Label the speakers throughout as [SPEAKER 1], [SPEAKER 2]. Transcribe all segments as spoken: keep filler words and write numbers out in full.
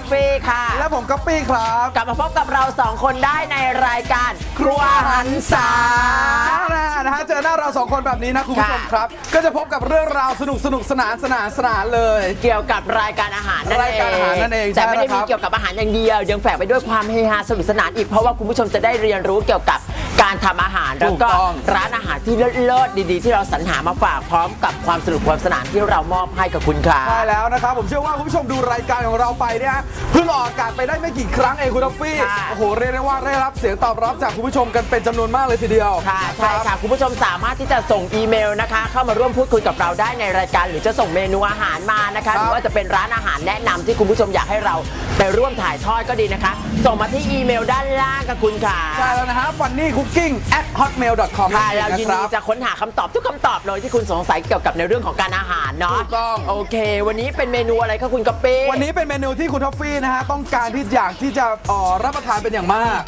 [SPEAKER 1] ฟี่ค่ะ
[SPEAKER 2] และผมก๊อปปี้ครับ
[SPEAKER 1] กลับมาพบกับเราสองคนได้ในรายการครัวหันษา
[SPEAKER 2] นะฮะเจอหน้าเราสองคนแบบนี้นะคุณผู้ชมครับก็จะพบกับเรื่องราวสนุกสนุกสนานสนานสนานเลย
[SPEAKER 1] เกี่ยวกับรายการอาหารนั่นเองรายการอาหารนั่นเองแต่ไม่ได้มีเกี่ยวกับอาหารอย่างเดียวยังแฝงไปด้วยความเฮฮาสนุกสนานอีกเพราะว่าคุณผู้ชมจะได้เรียนรู้เกี่ยวกับการทำอาหารแล้วก็ร้านอาหารที่เลิศๆดีๆที่เราสรรหามาฝากพร้อมกับความสนุกความสนานที่เรามอบให้กับคุณค่ะ
[SPEAKER 2] ใช่แล้วนะครับผมเชื่อว่าคุณผู้ชมดูรายการของเราไปเนี่ยเพิ่งออกอากาศไปได้ไม่กี่ครั้งเองคุณท็อฟฟี่โอ้โหเรียกได้ว่าได้รับเสียงตอบรับจากคุณผู้ชมกันเป็นจำนวนมากเลยทีเดียว
[SPEAKER 1] ค่ะใช่ค่ะคุณผู้ชมสามารถที่จะส่งอีเมลนะคะเข้ามาร่วมพูดคุยกับเราได้ในรายการหรือจะส่งเมนูอาหารมานะคะหรือว่าจะเป็นร้านอาหารแนะนำที่คุณผู้ชมอยากให้เราไปร่วมถ่ายทอดก็ดีนะคะส่งมาที่อีเมลด้านล่างกับคุณค่ะ
[SPEAKER 2] ใช่แล้วนะฮะ ฟันนี่คุกกิ้ง แอท ฮอตเมล ดอท คอม
[SPEAKER 1] ค่ะเรายินดีจะค้นหาคำตอบทุกคำตอบเลยที่คุณสงสัยเกี่ยวกับในเรื่องของการอาหารเนาะ
[SPEAKER 2] ถูกต้อง
[SPEAKER 1] โอเควันนี้เป็นเมนูอะไรคะคุณกะปิ
[SPEAKER 2] วันนี้เป็นเมนูที่คุณท็อฟฟี่นะฮะต้องการที่อยากที่จะเอ่อรับประทานเป็นอย่างมาก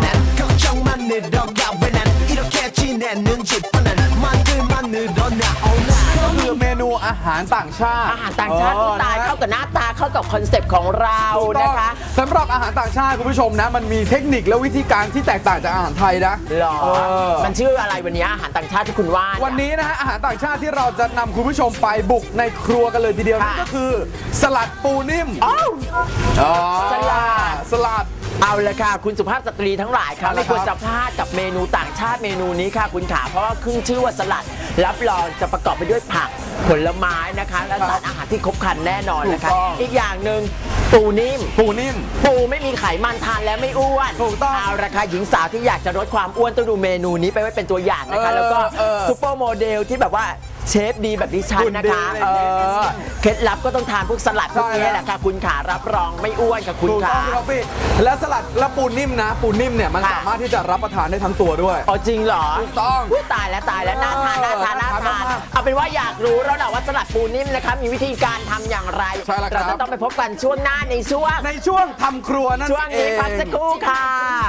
[SPEAKER 2] ก็คือเมนูอาหารต่างชาติ
[SPEAKER 1] อาหารต่างชาติที่ตายเข้ากับหน้าตาเข้ากับคอนเซปต์ของเรานะคะ
[SPEAKER 2] สำหรับอาหารต่างชาติคุณผู้ชมนะมันมีเทคนิคและวิธีการที่แตกต่างจากอาหารไทยนะ
[SPEAKER 1] หรอมันชื่ออะไรวันนี้อาหารต่างชาติที่คุณว่า
[SPEAKER 2] วันนี้นะฮะอาหารต่างชาติที่เราจะนำคุณผู้ชมไปบุกในครัวกันเลยทีเดียวนั่นก็คือสลัดปูนิ่ม
[SPEAKER 1] อ๋อสลัด
[SPEAKER 2] สลัด
[SPEAKER 1] เอาเลยค่ะคุณสุภาพสตรีทั้งหลายค่ะไม่ควรจะพลาดกับเมนูต่างชาติเมนูนี้ค่ะคุณขาเพราะว่าขึ้นชื่อว่าสลัดรับรองจะประกอบไปด้วยผักผลไม้นะคะและสารอาหารที่ครบครันแน่นอนนะคะอีกอย่างหนึ่งปูนิ่ม
[SPEAKER 2] ปูนิ่ม
[SPEAKER 1] ปูไม่มีไขมันทานแล้วไม่อ้วน
[SPEAKER 2] ถูกต้อง
[SPEAKER 1] เอาราคาหญิงสาวที่อยากจะลดความอ้วนต้องดูเมนูนี้ไปไว้เป็นตัวอย่างนะคะแล้วก็ซุปเปอร์โมเดลที่แบบว่าเชฟดีแบบดิฉันนะคะเออเคล็ดลับก็ต้องทานพวกสลัดพวกนี้แหละค่ะคุณขารับรองไม่อ้วนค่ะคุณขา
[SPEAKER 2] และสลัดและปูนิ่มนะปูนิ่มเนี่ยมันสามารถที่จะรับประทานได้ทั้งตัวด้วย
[SPEAKER 1] อ๋อจริงเหรอ
[SPEAKER 2] ถูกต้อง
[SPEAKER 1] ตายแล้วตายแล้วน่าทานน่าทานน่าทานเอาเป็นว่าอยากรู้แล้วแหละว่าสลัดปูนิ่มนะคะมีวิธีการทำอย่างไรเราจะต้องไปพบกันช่วงหน้าในช่วง
[SPEAKER 2] ในช่วงทำครัวนั่นเอง
[SPEAKER 1] ช่วงนี้พักสักครู่ค่ะ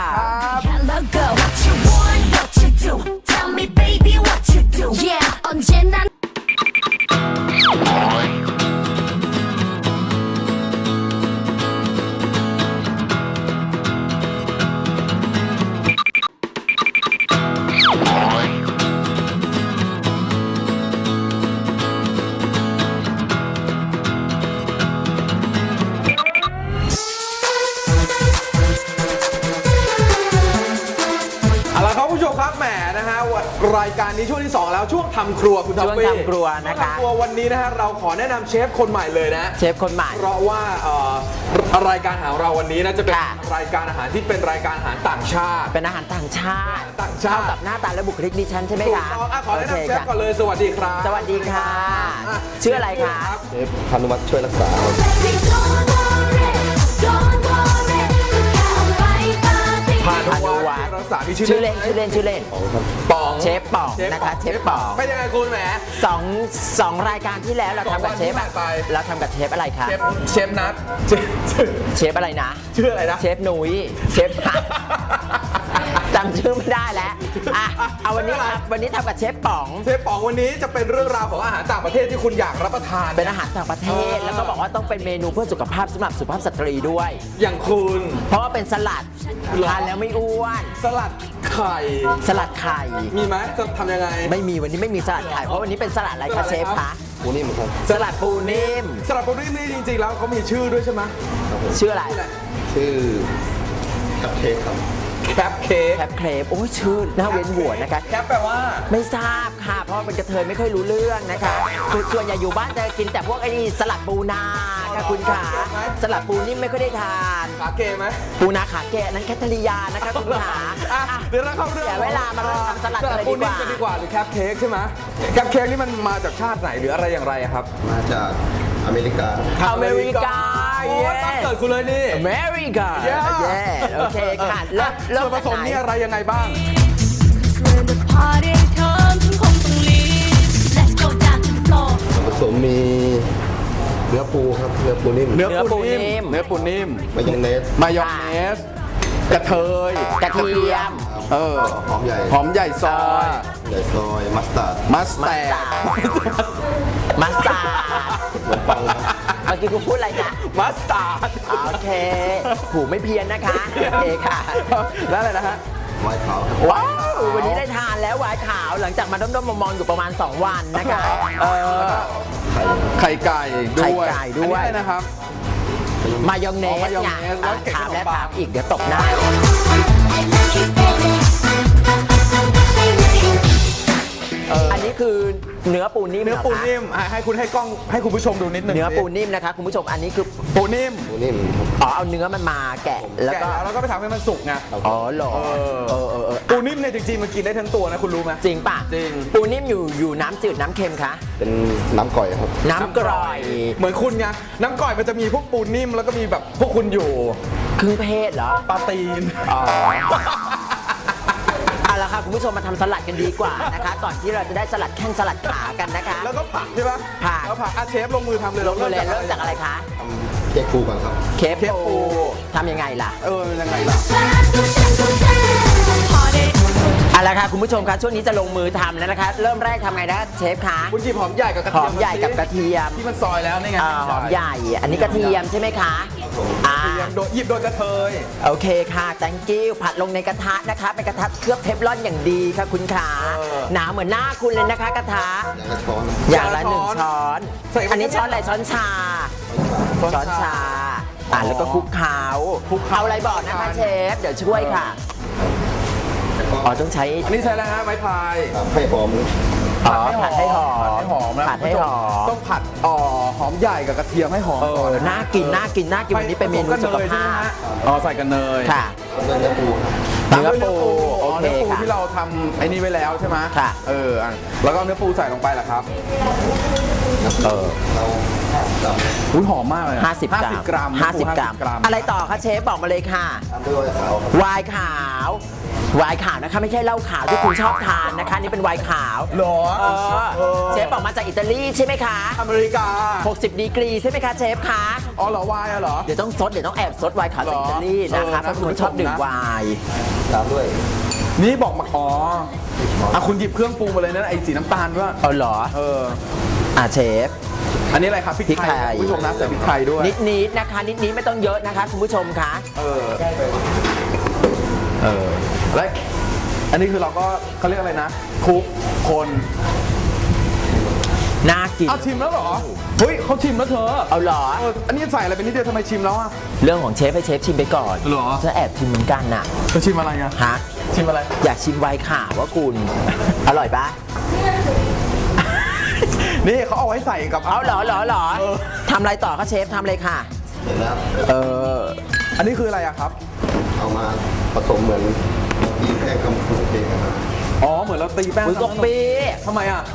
[SPEAKER 2] รายการนี้ช่วงที่สองแล้วช่วงทำครัวคุณท็อฟฟี่
[SPEAKER 1] ช่วงทำครัวนะคะ
[SPEAKER 2] ครัววันนี้นะฮะเราขอแนะนำเชฟคนใหม่เลยนะ
[SPEAKER 1] เชฟคนใหม่
[SPEAKER 2] เพราะว่ารายการของเราวันนี้นะจะเป็นรายการอาหารที่เป็นรายการอาหารต่างชาติ
[SPEAKER 1] เป็นอาหารต่างชาติ
[SPEAKER 2] ต่างชาติ
[SPEAKER 1] กับหน้าตาและบุคลิกดิฉันใช่ไหมคะ
[SPEAKER 2] ขอแนะนำเชฟก่อนเลยสวัสดีครับ
[SPEAKER 1] สวัสดีค่ะชื่ออะไรคะ
[SPEAKER 3] เชฟพานุวัฒน์ช่วยรักษา
[SPEAKER 2] พานุวัฒน์รักษาที่
[SPEAKER 1] ชื่อเล่นชื่อเล่นชื่อเล่น
[SPEAKER 2] ป๋อง
[SPEAKER 1] เชฟป๋องนะคะเชฟป๋อง
[SPEAKER 2] ไม่ยังไงคุณแหม
[SPEAKER 1] สองสองรายการที่แล้วเราทำกับเชฟเราทำกับเชฟอะไรคะ
[SPEAKER 2] เชฟนัท
[SPEAKER 1] เชฟอะไรนะ
[SPEAKER 2] ชื่ออะไรนะ
[SPEAKER 1] เชฟนุ้ยเชฟจำชื่อไม่ได้แล้วอ่ะเอาวันนี้ครับวันนี้ทำกับเชฟป๋อง
[SPEAKER 2] เชฟป๋องวันนี้จะเป็นเรื่องราวของอาหารต่างประเทศที่คุณอยากรับประทาน
[SPEAKER 1] เป็นอาหารต่างประเทศแล้วก็บอกว่าต้องเป็นเมนูเพื่อสุขภาพสำหรับสุภาพสตรีด้วย
[SPEAKER 2] อย่างคุณ
[SPEAKER 1] เพราะว่าเป็นสลัดทานแล้วไม่อ้วน
[SPEAKER 2] สลัดไข่
[SPEAKER 1] สลัดไข่
[SPEAKER 2] มีไหมจะทำยังไง
[SPEAKER 1] ไม่มีวันนี้ไม่มีสลัดไข่เพราะวันนี้เป็นสลัดอะไรคะเชฟคะ
[SPEAKER 3] ปูนิ่มครับ
[SPEAKER 1] สลัดปูนิ่ม
[SPEAKER 2] สลัดปูนิ่มนี่จริงๆแล้วเขามีชื่อด้วยใช่ไหม
[SPEAKER 1] ชื่ออะไร
[SPEAKER 3] ชื่อแคปเค้กครับ
[SPEAKER 2] แคปเค้ก
[SPEAKER 1] แคปเครปโอ้ยชื่อน่าเว้นหัวนะคะ
[SPEAKER 2] แคปแปลว่า
[SPEAKER 1] ไม่ทราบค่ะเพราะเป็นกระเทยไม่ค่อยรู้เรื่องนะคะคือส่วนใหญ่อยู่บ้านจะกินแต่พวกไอ้นี่สลัดปูนาค่ะคุณขาสลัดปูนิ่มไม่ค่อยได้ทาน
[SPEAKER 2] ขาเกไหม
[SPEAKER 1] ปูนาขาเกนั้นแคทริยานะคะคุณขา
[SPEAKER 2] เดี๋ยวเราเข้าเรื่อง
[SPEAKER 1] เสียเวลามาทำสลัดอะไรดีกว่า
[SPEAKER 2] ดีกว่าหรือแคปเค้กใช่ไหมแคปเค้กนี่มันมาจากชาติไหนหรืออะไรอย่างไรครับ
[SPEAKER 3] มาจากอเมริกา
[SPEAKER 1] อเมริกา
[SPEAKER 2] โอ้ตั้งเกิดคุณเลยนี่
[SPEAKER 1] อเมริกาเย้โอเคค่ะแล้ว
[SPEAKER 2] ส่วนผสมนี่อะไรยังไงบ้าง
[SPEAKER 3] ส่วนผสมมีเนื้อปูครับเนื้อปูนิ่ม
[SPEAKER 2] เนื้อปูนิ่มเนื้อปูนิ่ม
[SPEAKER 3] มายองเนส
[SPEAKER 2] มายองเนสกระเทย
[SPEAKER 1] กระเทียม
[SPEAKER 2] เออ
[SPEAKER 3] หอมใหญ่
[SPEAKER 2] หอมใหญ่ซอย
[SPEAKER 3] ใหญ่ซอยมัสตาร์ด
[SPEAKER 2] มัสตาร์ด
[SPEAKER 1] มัสตาร์ด
[SPEAKER 3] เหมือนปัง
[SPEAKER 1] เมื่ออกี้คุณพูดอะไรนะ
[SPEAKER 2] มัสตาร์ด
[SPEAKER 1] โอเคหูไม่เพี้ยนนะคะโอเคค่ะ
[SPEAKER 2] แล้วอะไรนะฮะ
[SPEAKER 3] ไวน์ขาวครับ
[SPEAKER 1] ว้าววันนี้ได้ทานแล้วหวายขาวหลังจากมาด้อมๆมองๆอยู่ประมาณ สอง วันนะคะเออ
[SPEAKER 2] ไข่ไก่ด้วย
[SPEAKER 1] ไข่ไก่ด้วย
[SPEAKER 2] อันนี้อะไรนะครับ
[SPEAKER 1] มายองเน
[SPEAKER 2] อ๋
[SPEAKER 1] ส
[SPEAKER 2] อมายอง
[SPEAKER 1] ไง
[SPEAKER 2] เนสแล้วเก็บ
[SPEAKER 1] ถามแล้ว
[SPEAKER 2] ขนมปัง
[SPEAKER 1] ถามอีกเดี๋ยวตบหน้าอันนี้คือเนื้อปูนิ่ม
[SPEAKER 2] เนื้อปู
[SPEAKER 1] หรคะ
[SPEAKER 2] นิ่มอ่ะให้คุณให้กล้องให้คุณผู้ชมดูนิดนึง
[SPEAKER 1] เนื้อปู
[SPEAKER 2] สิ
[SPEAKER 1] นิ่มนะคะคุณผู้ชมอันนี้คือ
[SPEAKER 2] ปูนิ่ม
[SPEAKER 3] ปูนิ่มครับ
[SPEAKER 1] อ๋อเอาเนื้อมันมาแกะแล้ว
[SPEAKER 2] แกะ
[SPEAKER 1] ก็
[SPEAKER 2] แล้วก็ไปทำให้มันสุกไง
[SPEAKER 1] อ๋อเหรอ
[SPEAKER 2] เออ
[SPEAKER 1] เออเออเออ
[SPEAKER 2] ปูนิ่มเนี่ยจริงๆมันกินได้ทั้งตัวนะคุณรู้ไหม
[SPEAKER 1] จริงป่ะ
[SPEAKER 2] จริง
[SPEAKER 1] ปูนิ่มอยู่อยู่น้ำจืดน้ำเค็มคะ
[SPEAKER 3] เป็นน้ำก่อยครับ
[SPEAKER 1] น้ำกร่อย
[SPEAKER 2] เหมือนคุณไงน้ำก่อยมันจะมีพวกปูนิ่มแล้วก็มีแบบพวกคุณอยู่
[SPEAKER 1] ครึ่งเพศเหรอ
[SPEAKER 2] ปลาตีน
[SPEAKER 1] อ๋อเอาละค่ะคุณผู้ชมมาทำสลัดกันดีกว่านะคะ ก่อนที่เราจะได้สลัดแข้งสลัดขากันนะคะ
[SPEAKER 2] แล้วก็ผักใช่ปะ
[SPEAKER 1] ผัก
[SPEAKER 2] แล้วผักอาเชฟลงมือทำเลย
[SPEAKER 1] ลงมือเลยเริ่มจากอะไรคะ
[SPEAKER 3] ทำเค้กปูก่อนครับ
[SPEAKER 1] เคฟ
[SPEAKER 2] เคฟปู
[SPEAKER 1] ปูทำยังไงล่ะ
[SPEAKER 2] เออยังไงล่ะ
[SPEAKER 1] เอาละค่ะคุณผู้ชมคะช่วงนี้จะลงมือทำแล้วนะคะ เริ่มแรกทำไงนะเชฟคะ
[SPEAKER 2] คุณหยิบหอมใหญ่กับกระ
[SPEAKER 1] ห
[SPEAKER 2] เที
[SPEAKER 1] อย
[SPEAKER 2] ม
[SPEAKER 1] มใหญ่กับกระเทียม
[SPEAKER 2] ที่มันซอยแล้วนี่ไง
[SPEAKER 1] อ่าหอมใหญ่ อันนี้กระเทียมใช่ไหมคะอ่าก
[SPEAKER 2] ระเทียมโดยหยิบโดยกระเทย
[SPEAKER 1] โอเคค่ะ thank you ผัดลงในกระทะนะคะ เป็นกระทะเคลือบเทฟลอนอย่างดีค่ะคุณขาหนาเหมือนหน้าคุณเลยนะคะกระทะ
[SPEAKER 3] อย่างละช้อน
[SPEAKER 1] อย่างละหนึ่งช้อน
[SPEAKER 2] ใส่
[SPEAKER 1] อันนี้ช้อนอะไรช้อนชา ช้อนชา อ่าแล้วก็คลุกเคล้าคลุกเคล้าอะไรบอกนะคะเชฟ เดี๋ยวช่วยค่ะ อ๋อต้องใช้
[SPEAKER 2] อันนี้ใช้อะไรฮะไม้พาย
[SPEAKER 3] ครับให้หอม
[SPEAKER 1] อ๋อผัดให้หอม
[SPEAKER 2] ผัดให้หอมนะ
[SPEAKER 1] ผัดให้หอม
[SPEAKER 2] ต้องผัดอ๋อหอมใหญ่กับกระเทียมให้หอม
[SPEAKER 1] เอ
[SPEAKER 2] ก่อน
[SPEAKER 1] อ
[SPEAKER 2] นะ
[SPEAKER 1] น่ากิน น่ากิน น่ากิน วันนี้เป็นเมนูสุขภาพ
[SPEAKER 2] อ๋อใส่กันเนย
[SPEAKER 1] ค่ะ
[SPEAKER 3] เนื้อปูครับ
[SPEAKER 1] เนื้อปู
[SPEAKER 2] อ๋
[SPEAKER 1] โอ
[SPEAKER 2] อ
[SPEAKER 1] เค
[SPEAKER 2] เนื้อปู
[SPEAKER 1] ค่ะ
[SPEAKER 2] ที่เราทำไอ้นี่ไว้แล้วใช่ไหม
[SPEAKER 1] ค่ะ
[SPEAKER 2] เอออ่ะแล้วก็เอาเนื้อปูใส่ลงไปเหรอครับ
[SPEAKER 1] เออ
[SPEAKER 3] เราด
[SPEAKER 2] อุ้ยหอมมากเลยอะ
[SPEAKER 1] ห้าสิบกรัม
[SPEAKER 2] กรัม
[SPEAKER 1] ห้าสิบ
[SPEAKER 2] เนื้อปู
[SPEAKER 1] กรัม
[SPEAKER 2] ห้าสิบกรัม
[SPEAKER 1] อะไรต่อคะเชฟบอกมาเลยค่ะ
[SPEAKER 3] ำตามด้วยไวน์ขาวครับ
[SPEAKER 1] ไวน์ขาว ไวน์ขาวนะคะไม่ใช่เหล้าขาวที่คุณชอบทานนะคะ นี่เป็นไวน์ขาว
[SPEAKER 2] เหรอ
[SPEAKER 1] เออ
[SPEAKER 2] เออ
[SPEAKER 1] เชฟบอกมาจากอิตาลีใช่ไหมคะ
[SPEAKER 2] อเมริกา
[SPEAKER 1] หกสิบดีกรีใช่ไหมคะเชฟคะ
[SPEAKER 2] อ๋อเหรอวายอะเหรอ
[SPEAKER 1] เดี๋ยวต้องซดเดี๋ยวต้องแอบซดไวน์ขาวจาก
[SPEAKER 2] หรอ
[SPEAKER 1] อิตาลีนะคะ
[SPEAKER 2] เออ
[SPEAKER 1] เพราะคุณชอบดื่มไวน์
[SPEAKER 3] ตามด้วย
[SPEAKER 2] นี่บอกมาอ๋ออ่ะคุณหยิบเครื่องปรุงมาเลยนะไอ้สีน้ำตาลด้วย
[SPEAKER 1] เอาเหรอ
[SPEAKER 2] เออ
[SPEAKER 1] อ่ะเชฟ
[SPEAKER 2] อันนี้อะไรครับพริก
[SPEAKER 1] พริก
[SPEAKER 2] ไท
[SPEAKER 1] ไท
[SPEAKER 2] ย
[SPEAKER 1] ย
[SPEAKER 2] คุณผู้ชมนะใส่พริกไทยด้วย
[SPEAKER 1] นิดนิดๆนะคะ นิดนิดๆไม่ต้องเยอะนะคะคุณผู้ชมคะ
[SPEAKER 2] เออ เออ แล้วอันนี้คือเราก็เขาเรียกอะไรนะคลุกคน
[SPEAKER 1] น่ากิน
[SPEAKER 2] เอาชิมแล้วเหรอ เฮ้ยเขาชิมแล้วเธอ
[SPEAKER 1] เอาเหรอ
[SPEAKER 2] เอออันนี้ใส่อะไรเป็นนิดเดียวทำไมชิมแล้วอ่ะ
[SPEAKER 1] เรื่องของเชฟให้เชฟชิมไปก่อน
[SPEAKER 2] เหรอ
[SPEAKER 1] จะแอบชิมเหมือนกันน่ะ
[SPEAKER 2] เธอชิมอะไรอ่ะ
[SPEAKER 1] ฮะ
[SPEAKER 2] ชิมอะไร
[SPEAKER 1] อยากชิมไวน์ขาวว่าคุณ อร่อยปะ
[SPEAKER 2] นี่เขาเอาไว้ใส่กับ
[SPEAKER 1] เอาเหรอเหรอเหรอ
[SPEAKER 2] เออ
[SPEAKER 1] ทำอะไรต่อคะเชฟทำเลยค่ะ
[SPEAKER 3] เสร็จแล้ว
[SPEAKER 1] เออ
[SPEAKER 2] อันนี้คืออะไรอะครับ
[SPEAKER 3] เอามาผสมเหมือนยีแค่คำขนมเค้กนะครับ
[SPEAKER 2] อ๋อ เหมือนเราตีแป้ง
[SPEAKER 1] อุ้ยกบปี
[SPEAKER 2] ทำไมอ่ะ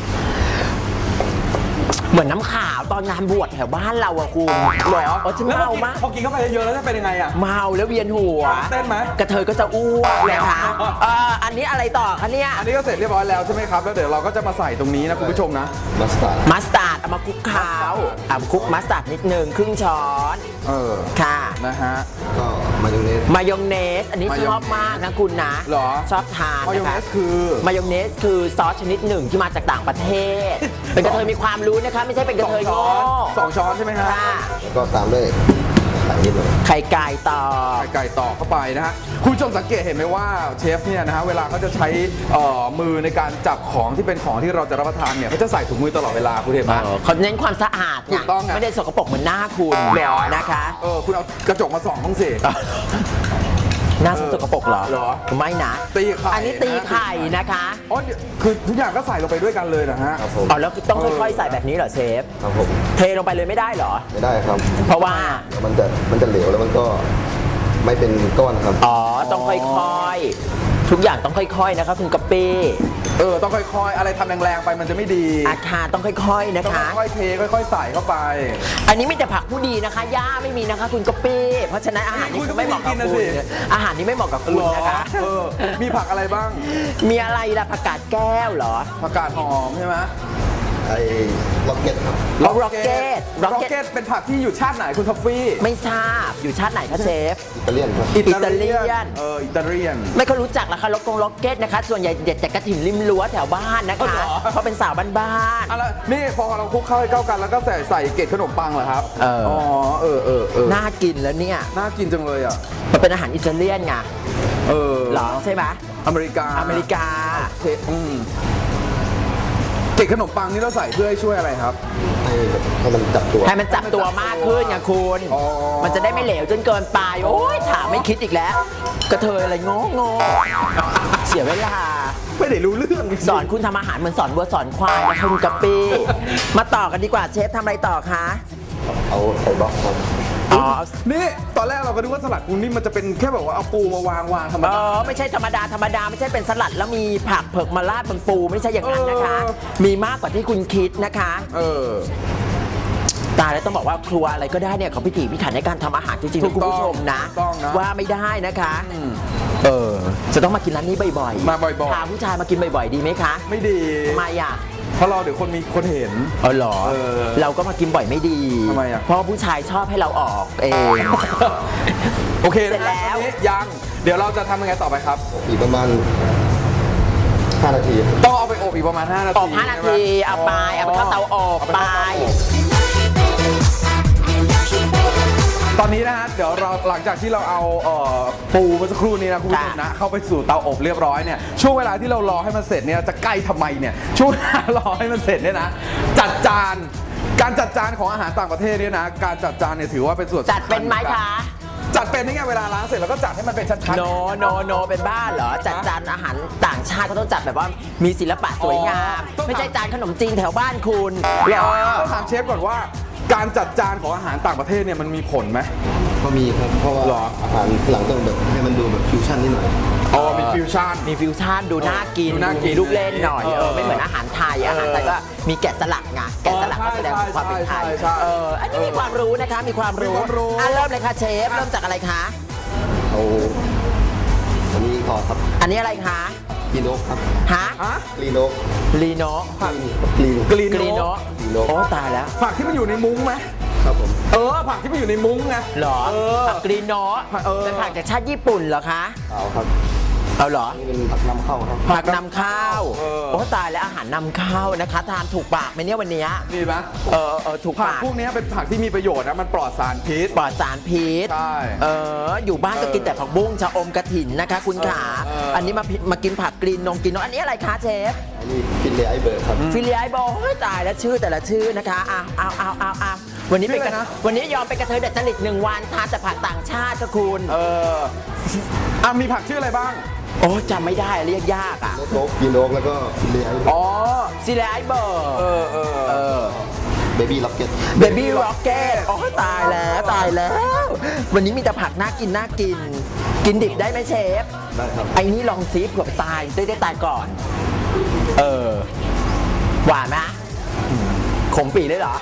[SPEAKER 1] เหมือนน้ำขาวตอนงานบวชแถวบ้านเราอะคุณ
[SPEAKER 2] หรอ
[SPEAKER 1] เออฉัน
[SPEAKER 2] แล้ว
[SPEAKER 1] เมา
[SPEAKER 2] พอกิน
[SPEAKER 1] มาก
[SPEAKER 2] พอกินเข้าไปเยอะๆแล้วจะเป็นยังไงอ่ะ
[SPEAKER 1] เมาแล้วเวียนหัว
[SPEAKER 2] เต้นไหม
[SPEAKER 1] กระเทยก็จะอ้วกนะคะ
[SPEAKER 2] อ๋อ
[SPEAKER 1] เอออันนี้อะไรต่อคะเนี่ย
[SPEAKER 2] อันนี้ก็เสร็จเรียบร้อยแล้วใช่ไหมครับ แล้วเดี๋ยวเราก็จะมาใส่ตรงนี้นะคุณผู้ชมนะ
[SPEAKER 3] มัสตาร์ด
[SPEAKER 1] มัสตาร์ดเอามาคลุกเคล้าเอาคลุกมัสตาร์ดนิดนึงครึ่งช้อน
[SPEAKER 2] เออ
[SPEAKER 1] ค่ะ
[SPEAKER 2] นะฮะ
[SPEAKER 3] ก็มายองเนส
[SPEAKER 1] มายองเนส อันนี้
[SPEAKER 2] มายองเนส
[SPEAKER 1] ชอบมากนะคุณนะ
[SPEAKER 2] เหรอ
[SPEAKER 1] ชอบทาน
[SPEAKER 2] มายอง
[SPEAKER 1] นะ
[SPEAKER 2] เน
[SPEAKER 1] คะ
[SPEAKER 2] สคือ
[SPEAKER 1] มายองเนสคือซอสชนิดหนึ่งที่มาจากต่างประเทศ เป็นกระเทยมีความรู้นะคะ ไม่ใช่เป็นกระเทย
[SPEAKER 2] สอง
[SPEAKER 1] โง่
[SPEAKER 2] ช้อนสองช้อนใช่ไหมฮะ
[SPEAKER 1] ค่ะ
[SPEAKER 3] แล้วก็ตามด้วยไข่นิดหน่อย
[SPEAKER 1] ไข่ไก่ต่อ
[SPEAKER 2] ไข่ไก่ตอกเข้าไปนะฮะ คุณผู้ชมสังเกตเห็นไหมว่าเชฟเนี่ยนะฮะ เวลาเขาจะใช้เอ่อมือในการจับของที่เป็นของที่เราจะรับประทานเนี่ยเขาจะใส่ถุงมือตลอดเวลาคุณเห็นไหม
[SPEAKER 1] เขาเน้นความสะอาด
[SPEAKER 2] ถูกต้องไง
[SPEAKER 1] ไม่ได้สกปรกเหมือนหน้าคุณ
[SPEAKER 2] เหรอ
[SPEAKER 1] นะคะ
[SPEAKER 2] เออ คุณเอากระจกมาส่องต้องสิ
[SPEAKER 1] หน้าสกปรกเหรอ
[SPEAKER 2] เหรอ
[SPEAKER 1] ไม่นะ
[SPEAKER 2] ตีไข่
[SPEAKER 1] อันนี้ตีไข่นะคะ
[SPEAKER 2] อ๋อเดี๋ยวคือทุกอย่างก็ใส่ลงไปด้วยกันเลยนะฮะ
[SPEAKER 3] ครับผม
[SPEAKER 1] อ๋อแล้วต้องค่อยๆใส่แบบนี้เหรอเชฟ
[SPEAKER 3] ครับผม
[SPEAKER 1] เทลงไปเลยไม่ได้เหรอ
[SPEAKER 3] ไม่ได้ครับ
[SPEAKER 1] เพราะว่า
[SPEAKER 3] เดี๋ยวมันจะมันจะเหลวแล้วมันก็ไม่เป็นก้อนครับ
[SPEAKER 1] อ๋อ ต้องค่อยๆ ทุกอย่างต้องค่อยๆ นะคะคุณกะปิ
[SPEAKER 2] เออ ต้องค่อยๆ อะไรทำแรงๆไปมันจะไม่ดี
[SPEAKER 1] อาคารต้องค่อยๆ นะ
[SPEAKER 2] ต้อง
[SPEAKER 1] คะ
[SPEAKER 2] ค่อยๆเทค่อยๆใส่เข้าไป
[SPEAKER 1] อันนี้มีแต่ผักผู้ดีนะคะหญ้าไม่มีนะคะคุณกะปิเพราะฉะนั้นอาหารนี้
[SPEAKER 2] คุณก็
[SPEAKER 1] ไม่เหมาะกับ
[SPEAKER 2] ไม่ได้กิน
[SPEAKER 1] คุ
[SPEAKER 2] นะ
[SPEAKER 1] ณ
[SPEAKER 2] สิ
[SPEAKER 1] อาหารนี้ไม่เหมาะกับคุณนะคะ
[SPEAKER 2] เออ มีผักอะไรบ้าง
[SPEAKER 1] มีอะไรล่ะผักกาดแก้วเหรอ
[SPEAKER 2] ผักกาดหอมใช่ไหม
[SPEAKER 3] ไอ้ล็อกเก็ตครับ
[SPEAKER 1] เอา Rocket
[SPEAKER 2] ร็อก
[SPEAKER 1] Rocket
[SPEAKER 2] เก็ตเป็นผักที่อยู่ชาติไหนคุณท็อฟฟี่
[SPEAKER 1] ไม่ทราบอยู่ชาติไหนคะเชฟ
[SPEAKER 3] อิตาเลียนครับ
[SPEAKER 1] อิตาเลียน
[SPEAKER 2] เอออิตาเลียน
[SPEAKER 1] ไม่ค่อยรู้จักละคะล็อกกงล็อกเก็ตนะคะ ส่วนใหญ่เด็ดจากกระถิ่นริมรั้วแถวบ้านนะ
[SPEAKER 2] อ๋อ
[SPEAKER 1] คะ
[SPEAKER 2] เหรอ
[SPEAKER 1] เพราะเป็นสาวบ้าน
[SPEAKER 2] อ่ะแล้วนี่พอเราคลุกเข้าให้เข้ากันแล้วก็ใส่ใส่เกล็ดขนมปังเหรอครับ
[SPEAKER 1] เอออ๋
[SPEAKER 2] อ๋อเออเออเออ
[SPEAKER 1] ๆน่ากินแล้วเนี่ย
[SPEAKER 2] น่ากินจังเลยอ่ะ
[SPEAKER 1] มันเป็นอาหารอิตาเลียนไง
[SPEAKER 2] เออ
[SPEAKER 1] เหรอใช่ไหม
[SPEAKER 2] อเมริกา
[SPEAKER 1] อเมริกา
[SPEAKER 2] เทอืมเกล็ดขนมปังนี่เราใส่เพื่อให้ช่วยอะไรครับ
[SPEAKER 3] ให้แบบให้มันจับตัว
[SPEAKER 1] ให้มันจับตัวมากขึ้นไงคุณ
[SPEAKER 2] อ๋อ
[SPEAKER 1] มันจะได้ไม่เหลวจนเกินไป โอ้ยถามไม่คิดอีกแล้ว กระเทยอะไรงงงเสียเวลา
[SPEAKER 2] ไม่ได้รู้เรื่อง
[SPEAKER 1] สอนคุณทำอาหารเหมือนสอนวัวสอนควายนะคุณกะปิมาต่อกันดีกว่าเชฟทำอะไรต่อคะ
[SPEAKER 3] เอาใส่บล็อกครับ
[SPEAKER 1] อ๋อ
[SPEAKER 2] นี่ตอนแรกเราก็นึกว่าสลัดปูนี่มันจะเป็นแค่แบบว่าเอาปูมาวางวางธรรม
[SPEAKER 1] เอ
[SPEAKER 2] ดา
[SPEAKER 1] อไม่ใช่ธรรมดาธรรมดาไม่ใช่เป็นสลัดแล้วมีผักเผือกมาราดบนปูไม่ใช่อย่างนั้นนะคะ
[SPEAKER 2] เออ
[SPEAKER 1] มีมากกว่าที่คุณคิดนะคะ
[SPEAKER 2] เออ
[SPEAKER 1] ตายแล้วต้องบอกว่าครัวอะไรก็ได้เนี่ยเขาพิถีพิถันในการทำอาหารจริงๆ
[SPEAKER 2] ถู
[SPEAKER 1] นะ
[SPEAKER 2] ก
[SPEAKER 1] คุณ
[SPEAKER 2] ต้อง
[SPEAKER 1] ผู้ชมนะ
[SPEAKER 2] ถูกต้องนะ
[SPEAKER 1] ว่าไม่ได้นะคะ
[SPEAKER 2] อืม
[SPEAKER 1] เออจะต้องมากินร้านนี้บ่อยๆ
[SPEAKER 2] มาบ่อยๆ
[SPEAKER 1] พาผู้ชายมากินบ่อยๆดีไหมคะ
[SPEAKER 2] ไม่ดี
[SPEAKER 1] ทำไมอ่ะ
[SPEAKER 2] เพราะเราเดี๋ยวคนมีคนเห็น
[SPEAKER 1] เออเหรอ
[SPEAKER 2] เออ
[SPEAKER 1] เราก็มากินบ่อยไม่ดี
[SPEAKER 2] ทำไมอ่ะ
[SPEAKER 1] เพราะผู้ชายชอบให้เราออกเอง
[SPEAKER 2] โอเค
[SPEAKER 1] เสร็
[SPEAKER 2] นะ
[SPEAKER 1] จแล้ว
[SPEAKER 2] ตอนนี้ยังเดี๋ยวเราจะทำยังไงต่อไปครับ
[SPEAKER 3] อีกประมาณห้านาทีครับ
[SPEAKER 2] ต้องเอาไปอบอีกประมาณห้านาที
[SPEAKER 1] อบห้านาทีเอาไปเอาไปเข้าเตาอบ
[SPEAKER 2] เา
[SPEAKER 1] ไป
[SPEAKER 2] เข้าเตาอบตอนนี้นะฮะเดี๋ยวเราหลังจากที่เราเอาเอ่อปูเมื่อสักครู่นี้นะคุณผู้ชมนะเข้าไปสู่เตาอบเรียบร้อยเนี่ยช่วงเวลาที่เรารอให้มันเสร็จเนี่ยจะใกล้ทำไมเนี่ยช่วงเวลารอให้มันเสร็จเนี่ยนะจัดจานการจัดจานของอาหารต่างประเทศเนี่ยนะการจัดจานเนี่ยถือว่าเป็นส่วนสำคัญ
[SPEAKER 1] จัดเป็นไหมคะ
[SPEAKER 2] จัดเป็นนี่ไงเวลาล้างเสร็จแล้วก็จัดให้มันเป็นชั้นๆ
[SPEAKER 1] โนโนโนเป็นบ้าเหรอ จัดจานอาหารต่างชาติเขาต้องจัดแบบว่ามีศิลปะสวยงาม
[SPEAKER 2] อ๋อ
[SPEAKER 1] ไม่ใช่จานขนมจีนแถวบ้านคุณ
[SPEAKER 2] เหรอต้องถามเชฟก่อนว่าการจัดจานของอาหารต่างประเทศเนี่ยมันมีผลไหม
[SPEAKER 3] ก็มีครับ เพราะว่า
[SPEAKER 2] หรอ
[SPEAKER 3] อาหารหลังต้องแบบให้มันดูแบบฟิวชั่นนิดหน่อย
[SPEAKER 2] อ๋อมีฟิวชั่น
[SPEAKER 1] มีฟิวชั่นดูน่ากิน
[SPEAKER 2] ดูน่ากิน
[SPEAKER 1] มีลูกเล่นหน่อย
[SPEAKER 2] เออ
[SPEAKER 1] เออไม่เหมือนอาหารไทยอาหารไทยก็มีแกะสลักไงแกะสลักก็แสดงถึงความเป็นไทย
[SPEAKER 2] ใช่ใช่ใช่
[SPEAKER 1] เอออันนี้มีความรู้นะคะมีความรู้
[SPEAKER 2] มีความรู้
[SPEAKER 1] อ่ะเริ่มเลยค่ะเชฟเริ่มจากอะไรคะ
[SPEAKER 3] เอาอันนี้ก่อนครับ
[SPEAKER 1] อันนี้อะไรคะ
[SPEAKER 3] กรีโนครับ
[SPEAKER 1] ฮะ
[SPEAKER 2] ฮะ
[SPEAKER 3] กรีโน
[SPEAKER 1] ลีโน
[SPEAKER 3] กรีน
[SPEAKER 2] กรีน
[SPEAKER 1] กรีโน
[SPEAKER 3] กรีโน
[SPEAKER 1] โอ้ตายแล้ว
[SPEAKER 2] ผักที่มันอยู่ในมุ้งไหม
[SPEAKER 3] ครับผม
[SPEAKER 2] เออผักที่มันอยู่ในมุ้งไง
[SPEAKER 1] เหรอ
[SPEAKER 2] เออ
[SPEAKER 1] ผักกรีโน
[SPEAKER 2] เออ
[SPEAKER 1] เป็นผักจากชาติญี่ปุ่นเหรอคะ
[SPEAKER 3] เอาครับ
[SPEAKER 1] เอาเหรอ
[SPEAKER 3] นี่เป็นผักนำเข้าครับ
[SPEAKER 1] ผักนำข้าว
[SPEAKER 2] เออ
[SPEAKER 1] โอ้ตายแล้วอาหารนำข้าวนะคะ ทานถูกปากไหมเนี่ยวันเนี้ย
[SPEAKER 2] นี่ไหม
[SPEAKER 1] เออเออถูก
[SPEAKER 2] ผัก
[SPEAKER 1] ปาก
[SPEAKER 2] พวกนี้เป็นผักที่มีประโยชน์นะมันปลอดสารพิษ
[SPEAKER 1] ปลอดสารพิษ
[SPEAKER 2] ใช่
[SPEAKER 1] เอออยู่บ้านก็
[SPEAKER 2] เออ
[SPEAKER 1] กินแต่ผักบุ้งชะอมกระถินนะคะ คุณขา
[SPEAKER 2] เออเอออั
[SPEAKER 1] อันนี้มาพิมากินผักกรีนนงกรีนนงอันนี้อะไรคะเชฟ
[SPEAKER 3] อันนี้ฟินเลไอเบิร์ดครับ
[SPEAKER 1] ฟิลิไอโบเฮ้ยตายแล้วชื่อแต่ละชื่อนะคะอ้าวอ้าวอ้าวอ้าวอ้าววันนี้เป็นกระ
[SPEAKER 2] ชื่ออะไรนะ
[SPEAKER 1] วันนี้ยอมเป็นกระเทยเด็ดจริตหนึ่งวันทานแต่ผักต่างชาติก็คุณ
[SPEAKER 2] เอออ่ะมีผักชื่ออะไรบ้าง
[SPEAKER 1] โอ้จำไม่ได้เรียกยากอ่ะ
[SPEAKER 3] โนกกรีโนกแล้วก็ฟินเลไอเบิร์ด
[SPEAKER 2] อ๋อ
[SPEAKER 1] ซิลิไอโบ
[SPEAKER 2] เออเออ
[SPEAKER 1] เออ
[SPEAKER 3] เบบี้ล็อกเก็ต
[SPEAKER 1] เบบี้ร็อกเก็ตโอ้ยตายแล้วตายแล้ว วันนี้มีแต่ผักน่ากินน่ากิน กินดิบได้ไหมเชฟ
[SPEAKER 3] ได้ครับ
[SPEAKER 1] ไอ้นี่ลองซีเผื่อตายได้ได้ตายก่อน เออ หวานไหมอืมขมปีเลยเหรอ